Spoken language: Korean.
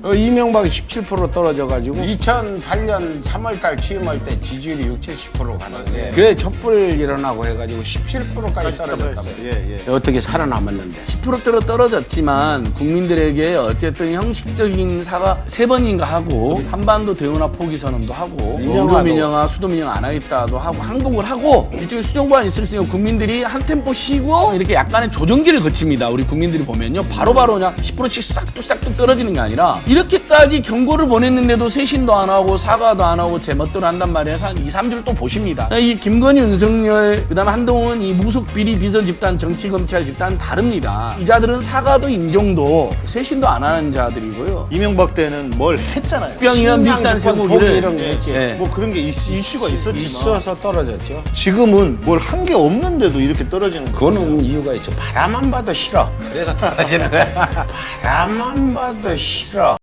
이명박이 17% 떨어져가지고 2008년 3월달 취임할 때 지지율이 60~70% 가는데 그게 촛불 일어나고 해가지고 17%까지 떨어졌다고. 어떻게 살아남았는데? 10%대로 떨어졌지만 국민들에게 어쨌든 형식적인 사과 3번인가 하고 한반도 대운하 포기 선언도 하고 우도민영화 수도민영 안 하겠다도 하고 항복을 하고 일종의 수정보안 있었으니까 국민들이 한 템포 쉬고 이렇게 약간의 조정기를 거칩니다. 우리 국민들이 보면요. 바로바로 그냥 10%씩 싹둑 떨어지는 게 아니라 이렇게까지 경고를 보냈는데도 쇄신도 안 하고 사과도 안 하고 제 멋대로 한단 말이에요. 한 2~3주를 또 보십니다. 이 김건희, 윤석열, 그다음에 한동훈 이 무속 비리 비서 집단, 정치 검찰 집단 다릅니다. 이 자들은 사과도 인정도 쇄신도 안 하는 자들이고요. 이명박 때는 뭘 했잖아요. 병이나 밀산 쇠고기를 이런 게 했지. 뭐 그런 게 이슈가 있었지만 있어서 떨어졌죠. 지금은 뭘 한 게 없는데도 이렇게 떨어지는 거예요. 그거는 이유가 있죠. 바라만 봐도 싫어. 그래서 떨어지는 거야. 바라만 봐도 싫어.